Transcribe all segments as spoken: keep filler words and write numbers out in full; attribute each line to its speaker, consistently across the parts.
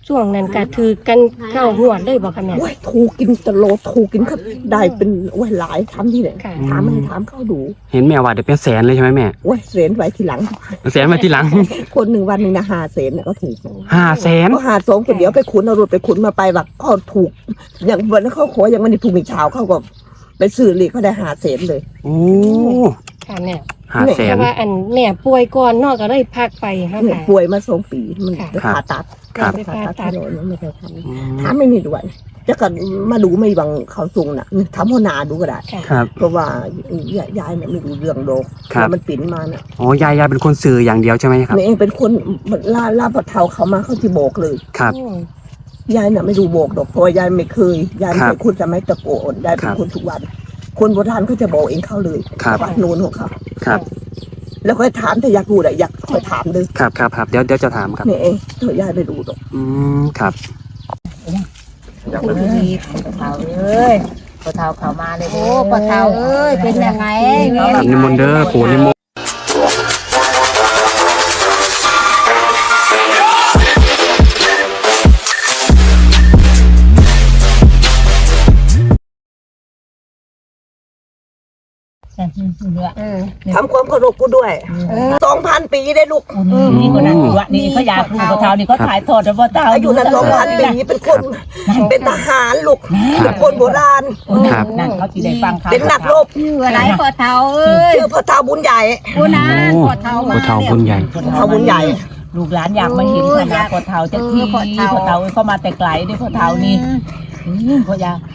Speaker 1: ช่วงนั้นก็ถือกันเข้าหัวได้บอกค่ะแม่
Speaker 2: โอ้ยถูกกินตลอดถูกกินครับได้เป็นโอ้ยหลายทำที่ไหน
Speaker 1: ค่ะ
Speaker 2: ถามให้ถามเขาดู
Speaker 3: เห็นแม่ว่าเดี๋ยวเป็นแสนเลยใช่ไหมแม่
Speaker 2: โอ้ยเสนไว้ทีหลัง
Speaker 3: แสนมาทีหลัง
Speaker 2: คนหนึ่งวันหนึ่งนะหาเสนน่ะก็ถูก
Speaker 3: ห้าแสน
Speaker 2: ก็หาสองคนเดียวไปขุนเอารถไปขุนมาไปว่าเขาถูก อย่างวันนั้นเขาขออย่างวันนี้ถูกมีเช้าเขาก็ไปซื้อเลยเขาได้หาเสนเลย
Speaker 3: โอ้
Speaker 1: ค่ะแม่
Speaker 3: ห้าแส
Speaker 1: แต่
Speaker 3: น
Speaker 1: ว่าอันแม่ป่วยก่อนเนอกก็เลยพักไปค่ะ
Speaker 2: เนี่ย
Speaker 1: ค่ะ
Speaker 2: ป่วยมาสองปีมัน
Speaker 1: ค่ะ
Speaker 2: จะผ่าตัด
Speaker 3: ครับ
Speaker 2: ผ่าตัดที่โน่นยังไม่เคยท
Speaker 3: อืม
Speaker 2: ำถามไม่มีด้วยจะกันมาดูไม่บังเขาสูงน่ะถามหัวหน้าดูก็ได้
Speaker 1: ค่ะ
Speaker 3: ครับ
Speaker 2: เพราะว่ายายยายเนี่ยไม่รู้เรื่องโลก
Speaker 3: ครับ
Speaker 2: มันปิ่นมาน่ะ
Speaker 3: อ๋อยายยายเป็นคนสื่ออย่างเดียวใช่ไหมครับ
Speaker 2: แม่เองเป็นคนล่าล่าปะเทาเขามาเขาที่โบกเลย
Speaker 3: ครับ
Speaker 1: อืม
Speaker 2: ยายน่ะไม่รู้โบกดอกเพราะว่ายายไม่เคยยายไม่
Speaker 3: ค
Speaker 2: เค
Speaker 3: รับ
Speaker 2: ยคุณจะไม่ตะโกนยายเป็
Speaker 3: คน รับ
Speaker 2: คนทุกวัน คนโบราณเขาจะบอกเองเข้าเลย
Speaker 3: ครับ
Speaker 2: วัดนูนของเขา
Speaker 3: ครับ
Speaker 2: แล้วค่อยถามถ้าอยากรู้อะอยากค่อยถามเลย
Speaker 3: ครับครับครับเดี๋ยวเดี๋ยวจะถามครับ
Speaker 2: นี่เองเธอยายไม่รู้ดอก
Speaker 3: อืมครับ
Speaker 4: คุณดีปะเทาเอ้ยปะเทาเขามาเลยโอ้ปะเทาเอ้ยเป็นยังไง
Speaker 3: ครับนิมนต์เด้อปู่นิมนต์
Speaker 4: เออ
Speaker 2: ทำความเคารพกูด้วยสองพันปีได้ลูก
Speaker 4: นี่คนนั้นวะนี่เขาอยากรู้ปะเทานี่เขาถ่ายทอดปะเทา
Speaker 2: อายุนั้นสองพันปีเป็นคนเป็นทหารลูกเป็นคนโบราณ
Speaker 3: ครับ
Speaker 4: นั่นเขาที่ได้ฟังข่าว
Speaker 2: เป็นนักรบ
Speaker 5: ชื่ออะไรปอเทาเอ้ย
Speaker 2: ชื่อพระเทาบุญใหญ่
Speaker 5: กูนะ
Speaker 3: โอ้
Speaker 5: ปอเทามา
Speaker 3: ปู่เฒ่าบุญใหญ่
Speaker 2: พระเทาบุญใหญ่
Speaker 4: ลูกหลานอยากมาเห็นขนาดปะเทาจะที่ปะเทาเอ้ยเขามาแต่ไกลด้วยปะเทานี่เขาอยาก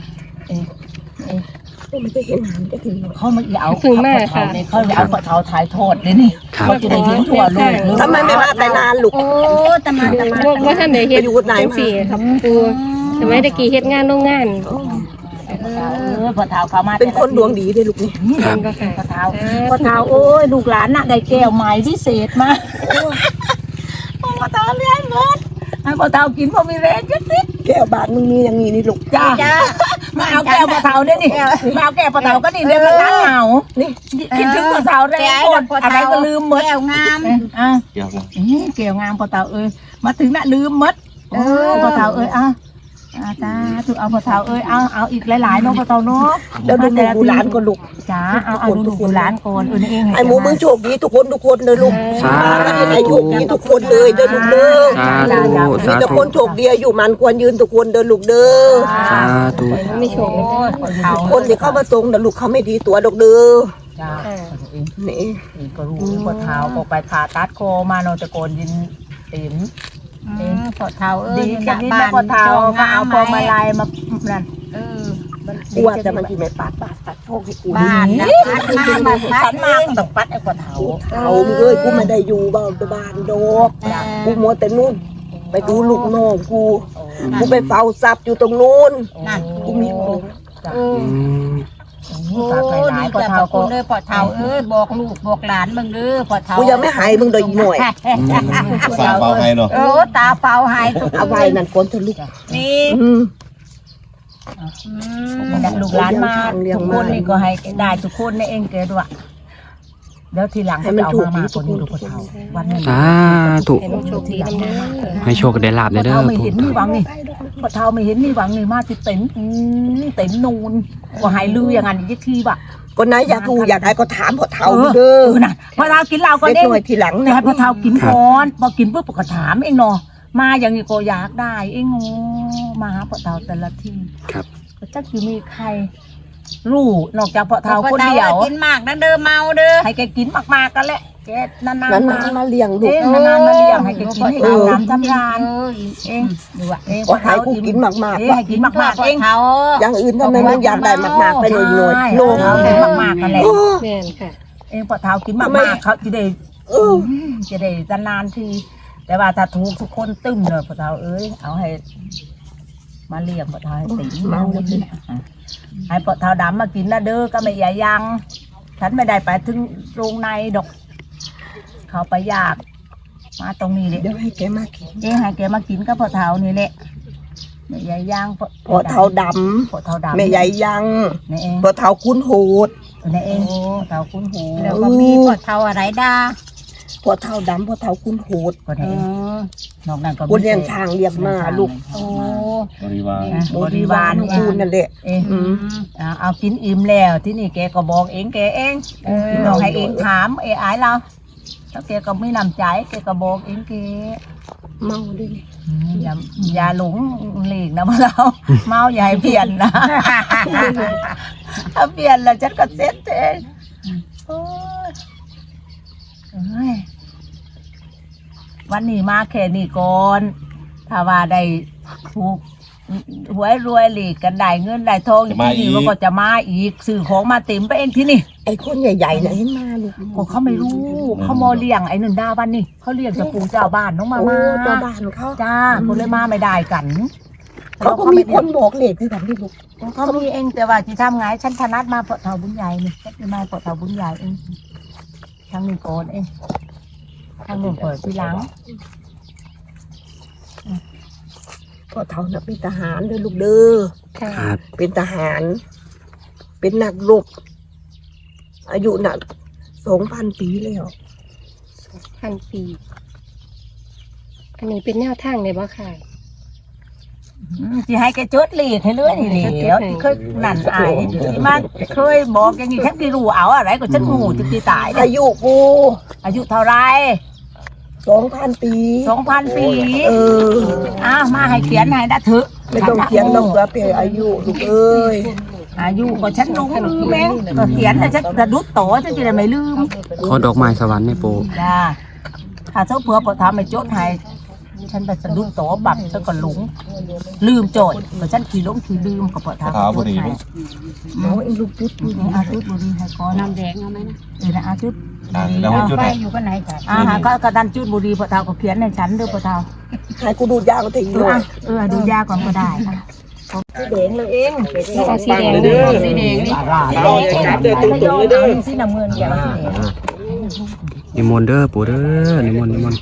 Speaker 2: ไม่ได้เห็นหางจะถึง
Speaker 4: เขาไม่เอาปะเทาเนี่ยเขาเอาปะเทาถ่ายทอดเลยนี่
Speaker 3: ครับ
Speaker 4: เขาจะได้เห็นทั่วโลก
Speaker 2: ทำไมไม่มาแต่นานลูก
Speaker 5: โอ้ตะมาตะมา
Speaker 1: ว่าว่าท่านได้เฮ็ด
Speaker 2: ไปอยู่ไหนมา
Speaker 1: จังซี่ครับปูสมัยตะกี้เฮ็ดงานโรงงาน
Speaker 4: เออปะเทาเขามา
Speaker 2: เป็นคนดวงดีเลยลูกนี่
Speaker 1: นั่นก็ค่ะ
Speaker 4: ปะเทาปะเทาโอ้ยลูกหลานน่ะได้แก้วใหม่พิเศษมาปะเทาเลี้ยงหมดให้ปะเทากินพอมีแรงจังสิ
Speaker 2: แก้วบาทมึงมีอย่างนี้นี่ลูก
Speaker 4: จ้ามาเอาแก้วปะเทาเนี่ยนี่มาเอาแก้วปะเทาก็นี่เดี๋ยวมันเหงา
Speaker 2: นี่
Speaker 4: คิดถึงปะเทาแรงหมดอะไรก็ลืมหมด
Speaker 5: แก้วงาม
Speaker 4: อ่ะเกี่ยวงามปะเทาเอ้ยมาถึงน่ะลืมหมดเออปะเทาเอ้ยอ่ะอาจ้าถูกเอาปะเทาเอ้ยเอาเอาอีกหลายๆเนาะปะเทาเนาะ
Speaker 2: แล้วดูดูหลานก็ลูก
Speaker 4: จ้าเอาเอาดูดูร้านโกนเออนี่เอง
Speaker 2: ไอ้หมูมึงโชคดีทุกคนทุกคนเลยลูก
Speaker 3: สาธุ
Speaker 2: มาอายุดีทุกคนเลยเดินลูกเด้อ
Speaker 3: สาธุ
Speaker 2: มี
Speaker 3: สา
Speaker 2: แต่
Speaker 3: ธุ
Speaker 2: คนโชคดีอายุมันควรยืนทุกคนเดินลูกเด้อ
Speaker 3: สาธุ
Speaker 1: ไม่โชคเลยค่ะ
Speaker 2: คนที่เข้ามาทรงแต่ลูกเขาไม่ดีตัวดอกเด้อ
Speaker 4: จ้า
Speaker 2: นี่
Speaker 4: ก็รู้ปะเทาก็ไปผ่าตัดโคมาโนตะโกนยินติ๋ม
Speaker 5: ปอเทาเอ้
Speaker 4: ดี
Speaker 5: ย
Speaker 4: กันนี่นะปะเทาก็เอาพวงมาลัยมานั่น
Speaker 5: เออ
Speaker 2: อ้วนแต่มันที่ไม่ปาดปาดปัดโชคให้กู
Speaker 5: บ้านนะพัดมาบัดพั
Speaker 4: ฉั
Speaker 5: ด
Speaker 4: นมาก็ต้องปัดไอ้ปะเทา
Speaker 2: เอามึงเอ้ยกูไม่ได้อยู่บ้านบ้านดอกกูมัวแต่นู่นไปดูลูกน้องกูกูไปเฝ้าทรัพย์อยู่ตรงนู้น
Speaker 5: นั่น
Speaker 2: กูมีของ
Speaker 5: เออ
Speaker 3: อืม
Speaker 4: ฝากไปหลายปะเทา
Speaker 5: คุ
Speaker 4: ก็
Speaker 5: ณเลยปอเทาเอ้ยบอกลูกบอกหลานมึงเด้อปอเทา
Speaker 2: กูยังไม่หายมึงเลยอีหน่อย
Speaker 6: ฝากเบาให้เนาะ
Speaker 5: โอ้ตาเฝ้าหายทุก
Speaker 2: เอาไว้นั่นคนเถอะลูก
Speaker 5: นี่
Speaker 2: อืม
Speaker 4: ลูกหลานมาทุกคนนี่ก็ให้ได้ทุกคนนี่เองเกิดว่าเดี๋ยวทีหลังจะเอามามากกว่านี้ดูปะเทาวันนี้
Speaker 3: สาธุ
Speaker 1: ให้มันโชคดีทั้งนั้น
Speaker 3: ให้โชคได้ลาบ
Speaker 4: ปะ
Speaker 3: เด้อ
Speaker 4: เทาไม่
Speaker 3: ปู่
Speaker 4: เห็นนี่หวังนี่ปะเทาไม่เห็นนี่หวังนี่มาที่เต็มเต็มนูนว่าหายลืออย่างนั้นยี่ทีบ่ะ
Speaker 2: คนไหนอยากรู้อยากได้ก็ถามพอเท่า
Speaker 4: เออ
Speaker 2: เด้อ
Speaker 4: เออน่ะพอเทากินเหล้าก็
Speaker 2: เด็ก
Speaker 4: เด้ง
Speaker 2: หน่อยทีหลัง
Speaker 4: แต่
Speaker 2: นะ
Speaker 4: ให้พอเทากินก่อนพอกินปุ๊บก็ถามเองเนาะมาอย่างนี้ก็อยากได้เองโอ้มาหาพอเทาแต่ละที
Speaker 3: ครับ
Speaker 4: ก็จักอยู่มีใครรู้นอกจากพอเทา
Speaker 5: ปอ
Speaker 4: คน
Speaker 5: เทา
Speaker 4: เดียว
Speaker 5: กินมากนะเด้อเมาเด้อ
Speaker 4: ให้แกกินมากๆกันแหละแกนานๆ
Speaker 2: นาน
Speaker 4: มา
Speaker 2: ๆมาเลี้ยงลูก
Speaker 4: เองนานๆมาเลี้ยงให้แกกินให้อาบน้ำทำงาน
Speaker 5: เออ
Speaker 4: เองดูว่าเอง
Speaker 2: ก็ให้กูกินมากๆ
Speaker 4: เอง
Speaker 2: ว่า
Speaker 4: ให้กินมากๆเอง
Speaker 5: เทา
Speaker 2: อย่างอื่นทำไมมึงอยากได้มากๆไปหน่อยหน่อย
Speaker 4: ใช่
Speaker 2: โลก
Speaker 4: เอาให้มากๆกันแหละ
Speaker 1: แม่นค่ะ
Speaker 4: เองพอเท้ากินมาก
Speaker 2: ทำไม
Speaker 4: ๆเขาจะได้
Speaker 2: เออ
Speaker 4: จะได้นานๆทีแต่ว่าถ้าถูกทุกคนตึ้มเลยพอเท้าเอ้ยเอาให้ มาเลี้ยงพอเท้าให้ตีเมาเลยให้พอเท้าดำมากินนะเด้อก็ไม่ใหญ่ยังฉันไม่ได้ไปถึงโรงในดอก เขาไปยากมาตรงนี้เลย
Speaker 2: เดี๋ยวให้แกมากิน
Speaker 4: เองให้แกมากินกับพอเท้านี่แหละแม่ใหญ่ย่าง
Speaker 2: พอเท่าด
Speaker 4: พอเท้าดำ
Speaker 2: ำแม่ใหญ่ยัง
Speaker 4: นี่เอง
Speaker 2: พอเท่าคุ้นโหด
Speaker 4: นี่เองพอเท้าคุ้นหู
Speaker 5: แล้วก็มีปอเทาอะไรด้า
Speaker 2: พอเท่าดำพอเท่าคุณโหด
Speaker 4: ก็ได้นอกนั้นก็
Speaker 2: คนเลี้ยงช้างเลี้ยงม้าลูก
Speaker 5: โอ้
Speaker 6: บริวาร
Speaker 4: บริวาร
Speaker 2: คูณนั่นแหละ
Speaker 4: เองเอาเอากินอิ่มแล้วที่นี่แกก็บอกเองแกเองพี่น้องให้เองถามเอไอเราแล้วแกก็ไม่นำใจแกก็บอกเองแก
Speaker 1: เมาด้วย
Speaker 4: อย่าอย่าหลงหลีกนะพวกเราเมาอย่าให้เปลี่ยนนะถ้าเปลี่ยนแล้วฉันก็เซ็ตเองโอ้ยเอ้ยวันนี้มาแค่นี้ก่อนถ้าว่าได้ถูกหวยรวยหลีกกันได้เงินได้ทองที่นี่มันก็จะมาอีกสื่อของมาเต็มไปเองที่นี่
Speaker 2: ไอ้คนใหญ่ๆน่ะเห็นมาลูก
Speaker 4: ก็เขาไม่รู้เขามอเลี้ยงไอ้หนึ่งดาวันนี่เขาเลี้ยงจะปูเจ้าบ้านน้องมา
Speaker 2: โอ้
Speaker 4: มา
Speaker 2: เจ้าบ้านเขา
Speaker 4: จ้าคนเลยมาไม่ได้กัน
Speaker 2: เขาก็มีคนบอกเลขคือกันที่ลูก
Speaker 4: เขามีเองแต่ว่าที่ทำไงฉันถนัดมาเปาะเถาบุญใหญ่นี่ฉันจะมาเปาะเถาบุญใหญ่เองทางนี้ก่อนเองทางนู้นเปิดทีหลัง
Speaker 2: พอเท่าน่ะเป็นทหารเด้อลูกเด้อ
Speaker 1: ค่ะ
Speaker 3: ครับ
Speaker 2: เป็นทหาร เป็นนักรบอายุน่ะสองพันปีแล้ว
Speaker 1: พันปี อันนี้เป็นแนวทางเลยบ่ค่ะ
Speaker 4: ที่ให้แกจดเลขให้เลยนี่เหลียวที่เคยนั่นอายที่มาเคยบอกอย่างนี้ฉันที่รู้เอาอะไรก็ฉันงูที่ตีตายเนี่ย
Speaker 2: อายุกู
Speaker 4: อายุเท่าไร
Speaker 2: สองพันปี
Speaker 4: สองพันปี
Speaker 2: เออ
Speaker 4: อ้าวมาให้เขียนให้ได้เถอะ
Speaker 2: ไม่ต้องเขียนหรอกว่าเป็นอายุลูกเอ้ย
Speaker 4: อายุก็ฉันรู้ลืมเองก็เขียนแต่ฉันจะดุดโตฉันจะได้ไม่ลืม
Speaker 3: ขอดอกไม้สวรรค์ให้ปู
Speaker 4: จ้าถ้าเจ้าเผื่อปทำไม่จดให้ฉันไปสะดุดโตบับฉันก็หลงลืมโจทย์ก็ฉันขี่ล้มขี่ลืมก็ปทำ
Speaker 6: เท้าพอดี
Speaker 4: ให้
Speaker 6: มั้ง
Speaker 2: เอาไอ้ลูกจุดบุญ
Speaker 4: อาจุดบุรีให้ก่อน
Speaker 5: น้ำแดงเอาไหมนะ
Speaker 4: เออนะอาจุด
Speaker 6: อ่าแล้วให้จุด
Speaker 5: ไป
Speaker 6: ไหน
Speaker 5: อยู่กันไหนกัน
Speaker 4: อาหาก็กระดันจุดบุรีปทำก็เขียนในฉันด้วยปท
Speaker 2: ให้กูดูยางทิ้ง
Speaker 4: ำ
Speaker 2: หน่อย
Speaker 4: เออดูยาก่อนก็ได้สีแดงเลยเอง
Speaker 1: เอาสีแดงเด้อ
Speaker 5: สีแดงนี่
Speaker 2: เราอย่าจับเด้อตุ้งๆเลยเด้อ
Speaker 4: สีน้ำเงินอย่าสีแดง
Speaker 3: นิมนต์เด้อปูเด้อนิมนต์นิมนต์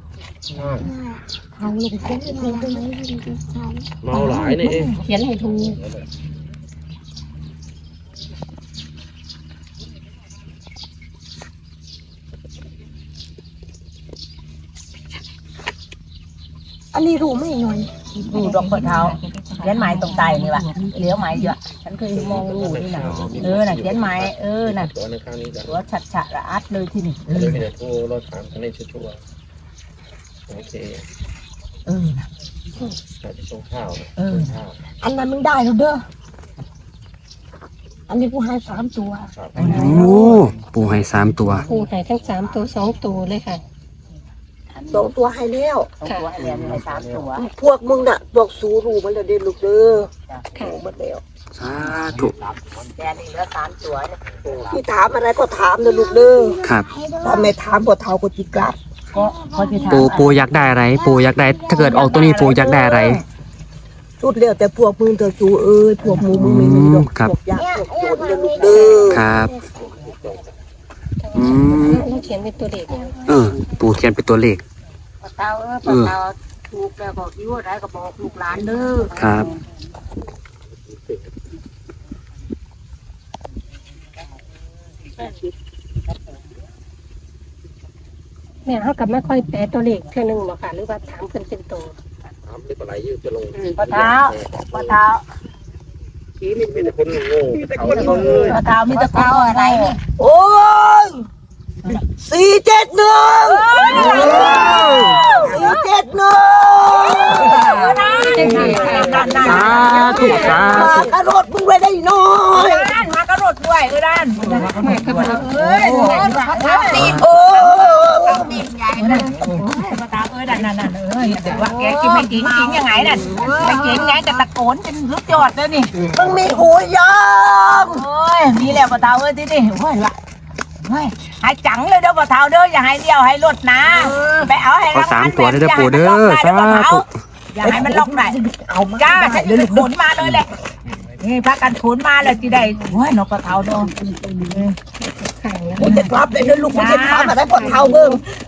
Speaker 7: เมาหลายนี่เอง
Speaker 1: เขียนให้ถูก
Speaker 2: อันนี้รู้ไหมหน่อย
Speaker 4: ดูดอกเปิดเท้าเขียนไม้ตรงไตนี่ว่ะเลี้ยวไม้เยอะฉันเคยมองดูนี่นะเออน่ะเขียนไม้เออน่ะ
Speaker 7: ตัวในข้างนี้กัน
Speaker 4: ตัวฉัดฉะระอัดเลยที่นี่เอ
Speaker 7: เดี๋ยว
Speaker 4: อ
Speaker 7: จะโทรเราถามกันในชัวร์โอเค
Speaker 4: เออน่ะ
Speaker 7: เราจะส่งข้าว
Speaker 4: เออ
Speaker 7: ข้าว
Speaker 2: อันนั้นมึงได้แล้วเด้ออันนี้กูให้สามตัว
Speaker 7: ครับ
Speaker 3: โอ้ปูให้สามตัว
Speaker 1: ปูใหายทั้งสามตัวสองตัวเลยค่ะ
Speaker 2: สองตัวให้แล้ว
Speaker 4: เอาตัวให้เรียนในสามตัว
Speaker 2: พวกมึงน่ะพวกสูรู้มันแล้วเด้อลูกเด้อ
Speaker 1: ค่ะ
Speaker 2: รู้หมดแล้ว
Speaker 3: สาธุ
Speaker 4: แต่นี่เหลือสามตัวเนี่ย
Speaker 2: ที่ถามอะไรก็ถามเด้อลูกเด้อ
Speaker 3: ครับ
Speaker 2: ถ้าไม่ถามพอเท่าก็จิกลับ
Speaker 4: ก็เขาจะถาม
Speaker 3: ปูปูอยากได้อะไร ปูอยากได้ ถ้าเกิดออกตัวนี้ปูอยากได้อะไร
Speaker 2: สุดแล้วแต่พวกมึงเถอะสูเอ้ยพวกมึงมึงไม่มีดอก
Speaker 3: ครับ
Speaker 2: พวกยากพวกโจรเด้อลูกเด้อ
Speaker 3: ครับอืม
Speaker 1: เราเขียนเป็นตัวเด็ก
Speaker 3: เออ ปูเขียนเป็นตัวเลข
Speaker 4: ปะเตาเออปะเตาถูกแล้วบอกยิ้วอะไรก็บอกลูกหลานเด้อ
Speaker 3: ครับ
Speaker 1: แม่เขากลับมาค่อยแปลตัวเลขเท่านึงบ่ค่ะ หรือว่าถามเพิ่นเป็นตัว
Speaker 7: ถามไม่เป็นไรยืดจะลง
Speaker 4: ปะเท้าปะเท้า
Speaker 7: ชี้นี่มีแต่คนโง่เขา
Speaker 4: ปะเท้ามีแตะเท้าอะไรนี่
Speaker 2: โอ้ยสี่เจ็ดหนึ่งสี่เจ็ดหนึ่ง
Speaker 3: สาธุสา
Speaker 2: มา
Speaker 3: ธุ
Speaker 2: กระโดดมึงไว้ได้หน่อย
Speaker 4: ด้านมากระโดดด้วยเออด้านเอ้ยตีน
Speaker 2: โอ้
Speaker 4: ตีนใหญ่นะปะเท้าเอ้ยนั่นนั่นนั่นเอ้ยแต่ว่าแกกินไม่จริงจริงยังไงนั่นไม่จริงไงจะตะโกนจนรุดยอดเลยนี่
Speaker 2: มึงมีหูยัง
Speaker 4: โอ้ยมีแล้วปะเท้าเอ้ยที่นี่โอ้ยละเฮ้ยให้จังเลยเด้อปะเท้าเด้ออย่าให้เดียวให้ลดนะไปเอาให้
Speaker 3: ขอสามตัวได้อปูเด้อสาธุ
Speaker 4: อย่าให้มันล็อกได้เอาจ้าฉันจะขนมาเลยแหละนี่พักกันขนมาแล้วจีได้โอ้ยนกปะเท้าเด้อ
Speaker 1: ค่ะแล้ว
Speaker 2: มึงจะกลับเลยนะลูกมึงจะทำอะไรพอเท่าเบิ่ง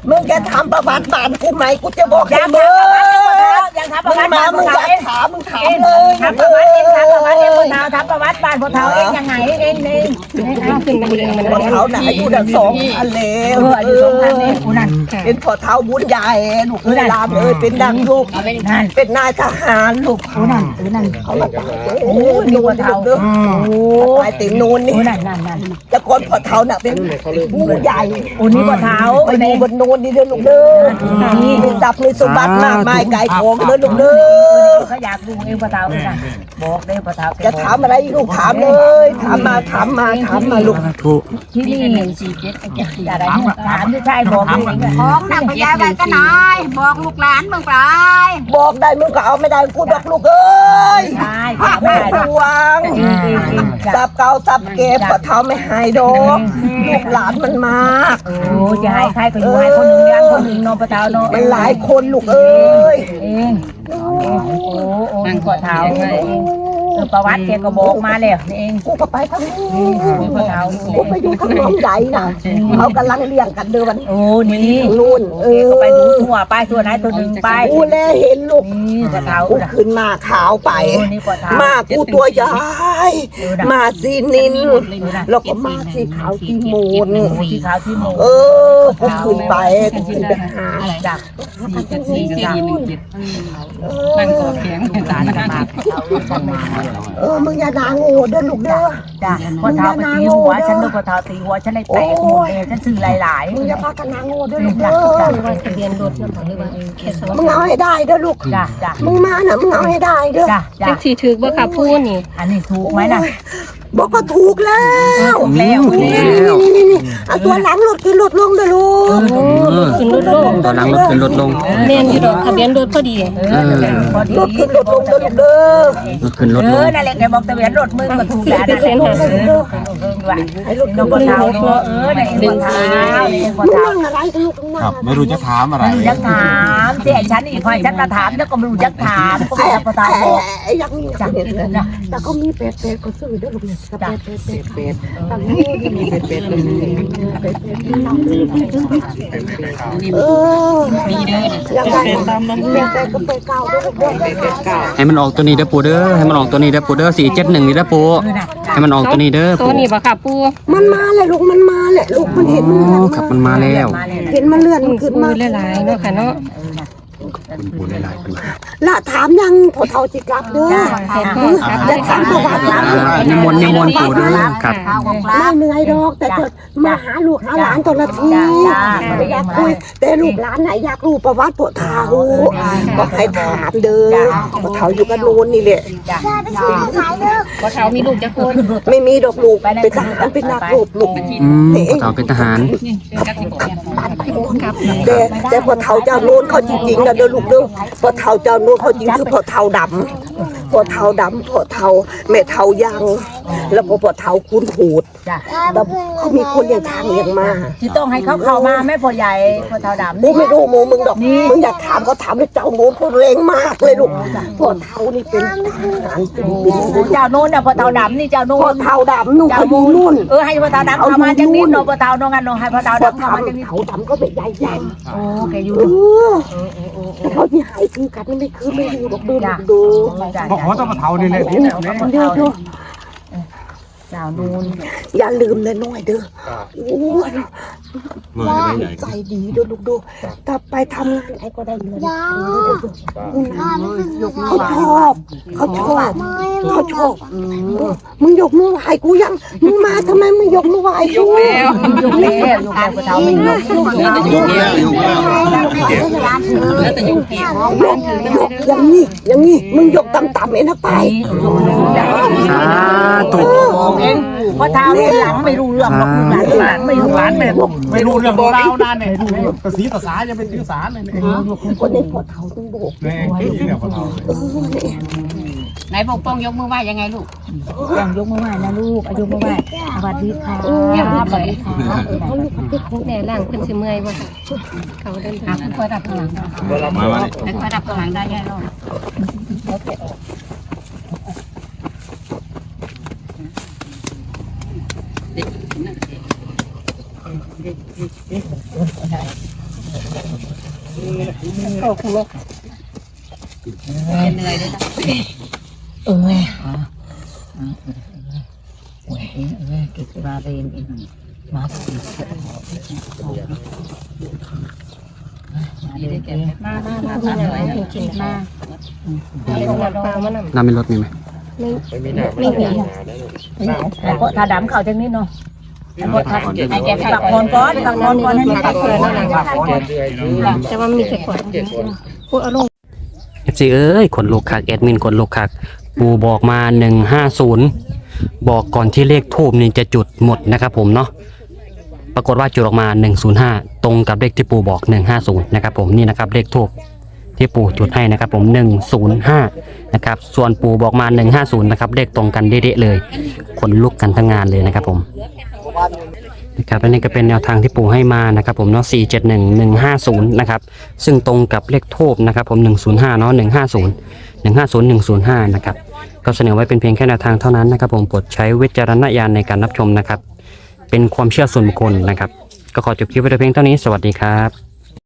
Speaker 2: มึงจะทำประวัติบ้านกูไหมกูจะบอก
Speaker 4: ยั
Speaker 2: ให้
Speaker 4: ง
Speaker 2: มึง
Speaker 4: ยังทำป
Speaker 2: มึ
Speaker 4: ระ
Speaker 2: ง
Speaker 4: วัติ
Speaker 2: มา
Speaker 4: บ้าน
Speaker 2: มึง
Speaker 4: พ่อ
Speaker 2: อยา
Speaker 4: เฒ่าก เอง
Speaker 2: ถามมึงถาม
Speaker 4: เอง
Speaker 2: เลย
Speaker 4: ทำประวัติเองทำประวัติเองพ่อเฒ่าทำประวัติบ้านพ่อเฒ่าเองยังไงเองเอง
Speaker 1: เอาขึ้นมาเองมัน
Speaker 2: พอเท้าหนาอยู่ดังสองพันแล้
Speaker 4: เอ
Speaker 2: ว
Speaker 4: ออายุสองพันเองกูนั่น
Speaker 2: เป็นพอเท้าบุญใหญ่ลูกเอ้ยรามเอ้ยเป็นนางลูก
Speaker 4: นั่น
Speaker 2: เป็นนายทหารลูก
Speaker 4: กูนั่นกูนั่น
Speaker 2: เขามาตายเด้
Speaker 4: โอ้มีพอเฒ่า
Speaker 2: เด้อ
Speaker 4: โอ้
Speaker 2: ตายเต็มนูนนี่
Speaker 4: กูนั่นนั่นนั่น
Speaker 2: แต่ก่อนพอเท้าน่ะเป็นผู้ใหญ่
Speaker 4: โอ้นี่พอเฒ่า
Speaker 2: ไปอยู่บนนูนนี่เด้อลูกเด้อมีทรัพย์มีสมบัติมากมายไก่ทองเด้อลูกเด้อ
Speaker 4: เขาอยากดูเองพอเฒ่าเองบอกเลยพอเฒ่า
Speaker 2: จะถามอะไรลูกถามเลย ถามมาถามมาถามมาลูก
Speaker 3: ถูก
Speaker 4: ที่นี่หนึ่งสี่เจ็ดอะไรถามที่ใช่บอกเลย
Speaker 5: ของหนักพยาไปก็นายบอกลูกหลานมึงไป
Speaker 2: บอกได้มึงก็เอาไม่ได้กูบอกลูกเอ้ย
Speaker 4: ใช่
Speaker 2: ภาค
Speaker 4: ไม่
Speaker 2: ไม่
Speaker 4: ได้
Speaker 2: ดวงสับเก่าสับเก็บก็เท้าไม่หายดอกลูกหลานมันมาก
Speaker 4: โอ้จะให้ใครก็อยู่ให้คนหนึ่งยังคนหนึ่งนอนพอเฒ่าเนาะ
Speaker 2: มันหลายคนลูกเอ้ย
Speaker 4: เองโอ้โอ้นี่พอเฒ่าเองเออประวัติแกก็บอกมาแล้วนี่เอง
Speaker 2: กูก็ไปทางนี้
Speaker 4: นี่พอเฒ่า
Speaker 2: กูไปอยู่ทางน้องใหญ่น่ะเขากำลังเลี้ยงกันเดินวัน
Speaker 4: โอ้นี่
Speaker 2: นู่นเออ
Speaker 4: ก็ไปดูทั่วไปทั่วไหนตัวหนึ่งไป
Speaker 2: กูแลเห็นลูก
Speaker 4: นี่พอเฒ่า
Speaker 2: กูขึ้นมาขาวไป
Speaker 4: โอ้นี่พอเฒ่า
Speaker 2: มากูตัวใหญ่มาสีนินแล้วก็มาสีขาวสีมูน
Speaker 4: ที่ขาวที่โม
Speaker 2: เออกูขึ้นไปกูขึ้นไปหา
Speaker 4: จาก
Speaker 2: สี่เจ็ดหนึ่งเจ็ดนั่งกอดแขนกันเออมึงอย่าด่าโง่เด้อลูกเด้อ
Speaker 4: จ้ะพอเฒ่าไปตีหัวฉันด้วยพอเฒ่าตีหัวฉันเลยแตกหมดเลยฉันซื้อหลาย
Speaker 2: มึงอย่าพากันด่าโง่เด้อลูก
Speaker 4: จ้ะ
Speaker 2: เด้อ
Speaker 4: จ้ะ
Speaker 1: ว่าทะเบียนรถนำหรือว่าแค่สวัส
Speaker 2: มึง
Speaker 1: ดิ์
Speaker 2: เอาให้ได้เด้อลูก
Speaker 4: จ้ะจ้ะ
Speaker 2: มึงมาน่ะมึงเอาให้ได้เด้อ
Speaker 4: จ้ะจ้ะ
Speaker 1: จังสีถือว่าค่ะพูดนี่
Speaker 4: อันนี้ถูกไหมน่ะ
Speaker 2: บอกว่าถูกแล้ว
Speaker 4: ถูกแล้ว
Speaker 2: นี่นี่นี่นี่เอาตัวหลังรถขึ้นรถลงเด้อลูก
Speaker 1: ขึ้นรถลง
Speaker 3: ตอนหลังรถขึ้นรถลง
Speaker 1: แม่นอยู่ดอกทะเบียนรถพอดี
Speaker 4: เออพอดี
Speaker 2: รถขึ้นรถลงเด้อลูกเด้อ
Speaker 3: รถขึ้นรถ
Speaker 4: เอ
Speaker 3: ล
Speaker 4: อง นั่นแหละแกบอกทะเบียนรถมึงก็ถูกแล้วนั่นแหละ
Speaker 2: ให้รถ
Speaker 4: น้
Speaker 2: ขึ้
Speaker 4: อน ง
Speaker 2: ร
Speaker 4: พอ
Speaker 2: ถล
Speaker 4: เฒ่าง เนาะเออในพอเฒ่าพอ
Speaker 2: มึง
Speaker 4: เฒ่า
Speaker 2: นั่งอะไรกันลูกมึงนั่ง
Speaker 6: ครับ
Speaker 2: อะไร
Speaker 6: ไม่รู้จะถามอะไร
Speaker 4: ไม่รู้จักถามเจ๊ฉันอีกพอฉันก็ถามแล้วก็ไม่รู้จักถามก็ไม่รู้พอเฒ่าบอก
Speaker 2: ไอ้ยังมีจังเนี่ยแต่ก็มีเป็ดเป็ดก็ซื้อเด้อลูกเนี่ยเป็ดเป็ดเป็ดเป็ดตั้งนี้มีเป็ดเป็ดเป็ดเป็ดเออมีเด้อยังไงเป็ดเป็ดก็เป็ดเก่าเด้อลูกเด้อเป็ดเก่า
Speaker 3: ให้มันออกตัวนี้เด้อปูเด้อให้มันออกตัวนี้เด้อปูเด้อสี่เจ็ดหนึ่งนี่เด้อปูให้มันออกตัวนี้เด้อ
Speaker 1: ตัว
Speaker 3: ปู
Speaker 1: นี้บ่ค่ะปู
Speaker 2: มันมาเลยลูกมันมาแหละลูกมันเห็นมัน
Speaker 3: อ๋อ
Speaker 2: เลื่อน
Speaker 3: ครับมันมาแล้ว
Speaker 2: เห็นมันเลื่อนมัน
Speaker 1: ขึ้
Speaker 2: ขึ้
Speaker 1: น
Speaker 2: น
Speaker 1: มา
Speaker 2: มา
Speaker 1: หลายๆเนาะค่ะเนาะ
Speaker 3: คุณปูหลายๆคน
Speaker 2: ละถามยังพอเท่าจิกลับเด้อ
Speaker 1: ขอบคุณครับ
Speaker 2: อย่าถามประวัติ
Speaker 3: อ่านิมนต์นิมนต์ปูเด้อครับ
Speaker 2: ไม่เหนื่อยดอกแต่จะมาหาลูกหาหลานตอนละทีไม่อยากคุยแต่ลูกหลานไหนอยากรู้ประวัติพวกเท่าก็ให้ถามเด้อพวกเท่าอยู่กันโน้นนี่แหละ
Speaker 1: ว่าเขามีลูกจะคน
Speaker 2: ไม่มีดอกลูกเป็นทหารเป็นนักรบลูก
Speaker 3: อืมพ่อเฒ่าเป็นทหาร
Speaker 2: แต่แต่พอเท่าเจ้าโน้นเขาจริงๆนะเด้อลูกเด้อพอเท่าเจ้าโน้นเขาจริงคือพอเท่าดำพอเท่าดำพอเท่าแม่เท่ายังแล้วพอเท่าคุณหูด
Speaker 4: จ้ะ
Speaker 2: แล้วเขามีคนอย่างทางอย่างมา
Speaker 4: ที่ต้องให้เขาเข้ามาแม่พ่อใหญ่พ่อเฒ่าดำ
Speaker 2: กูไม่รู้โมมึงดอกมึงอยากถามเขาถามเลยเจ้าโน้นเขาแรงมากเลยลูกพอเท่านี่เป็นทหารเป็นเป็น
Speaker 4: เจ้าโน้นน่ะพ่อเฒ่าดำนี่เจ้าโน้
Speaker 2: พอน เท่าดำนู่นเขาอยู่นู่น
Speaker 4: เออให้พ่อเฒ่าดำเข้ามาจังนิดเนาะพ่อเฒ่าเนาะงั้นเนาะให้พ่อเฒ่า
Speaker 2: พอ
Speaker 4: ดำเข้า
Speaker 2: เท่า
Speaker 4: มาจังนิด
Speaker 2: เท่าดำก็เป็นใหญ่ใหญ่
Speaker 4: โอ้แกอยู่
Speaker 2: เออแต่เขาที่หายคือกันไม่คือไม่รู้ดอกดูดู
Speaker 4: จ้ะ
Speaker 7: บอกว่าต้องมาเท่านี่เลย
Speaker 2: เด้อเด้อ
Speaker 4: เจ้าโน้น
Speaker 2: อย่าลืมนะน้อยเด้อโอ้ย
Speaker 6: มือจะไม่ไหน
Speaker 2: ใจดีเด้อลูกดูถ้าไปทำงานไหนก็ได้เงินเขาชอบเขาชอบเขาชอบมึงยกมือไหว้กูยังมึงมาทำไมมึงยกมือไหว้กู
Speaker 4: ยกแล้วยกแล้วพ่อเฒ่าไม่ยกยกแล้ว
Speaker 6: ยกแล้วยกแล้ว
Speaker 1: แล้วแต่ยุ่งเกี่ยวย
Speaker 2: กยกอย่างนี้อย่างนี้มึงยกต่ำๆเองนะไป
Speaker 3: สาธุ
Speaker 4: เองพ่อเฒ่าหลังไม่รู้เรื่องหรอกหลังไม่รู้หลังไม่รู้
Speaker 7: ไม่รู้เรื่องของเรานั่นเนี่ยภาษีภาษาจะเป็นภาษาเนี่ย
Speaker 2: คนในพอเท่าต้องโบก
Speaker 7: เนี่ยเนี่ยพอเท่า
Speaker 2: เออเนี่ย
Speaker 5: ไหนปกป้องยกมือไหว้ยังไงลูก
Speaker 4: ยังยกมือไหว้นะลูกอายุมือไหว้สวัสดีค่ะสวัสดีค่ะ
Speaker 1: แม่ล่างเพิ่นสิเมื่อยบ่ค่ะเขาเดินทาง
Speaker 5: คอยดับข้างหลังได้
Speaker 6: มาวันนี้
Speaker 5: คอยดับข้างหลังได้แน่นอน
Speaker 4: เ
Speaker 1: งคือแม่
Speaker 5: เหนื่อยเลยนะ
Speaker 1: เออ
Speaker 4: เออกิจมาเรียนอีกมาสิ
Speaker 5: มามามามาหน่อยกินมา
Speaker 1: เอาน้ำปลามานำ
Speaker 3: น้ำมีรถมีไหม
Speaker 1: ไม่
Speaker 7: ไม่มีหน้า
Speaker 1: ไม่มี
Speaker 4: ไอ้พวกทาดำเขาจังนี้เนาะไอ้พวกทา
Speaker 5: ไอ้แก
Speaker 4: ตักคนก่อนตักคนก่อนให้มันตักคน
Speaker 7: เดือยยืน
Speaker 1: แต่ว่ามีแต่ขวด
Speaker 7: เจ็ดคน
Speaker 1: พูดเอาลง
Speaker 3: เอฟซีเอ้ยขนลุกคักแอดมินขนลุกคักปูบอกมาหนึ่งห้าศูนย์บอกก่อนที่เลขทูบนี่จะจุดหมดนะครับผมเนาะปรากฏว่าจุดออกมาหนึ่งศูนย์ห้าตรงกับเลขที่ปูบอกหนึ่งห้าศูนย์นะครับผมนี่นะครับเลขทูบที่ปูจุดให้นะครับผมหนึ่งศูนย์ห้านะครับส่วนปูบอกมาหนึ่งห้าศูนย์นะครับเลขตรงกันเด๊ะๆเลยขนลุกกันทั้งงานเลยนะครับผมนะครับและนี่ก็เป็นแนวทางที่ปูให้มานะครับผมเนาะสี่เจ็ดหนึ่งหนึ่งห้าศูนย์นะครับซึ่งตรงกับเลขทูบนะครับผมหนึ่งศูนย์ห้าเนาะหนึ่งห้าศูนย์หนึ่งห้าศูนย์หนึ่งศูนย์ห้านะครับก็เสนอไว้เป็นเพียงแค่แนวทางเท่านั้นนะครับผมโปรดใช้วิจารณญาณในการรับชมนะครับเป็นความเชื่อส่วนบุคคลนะครับก็ขอจบคลิปไว้แต่เพียงเท่านี้สวัสดีครับ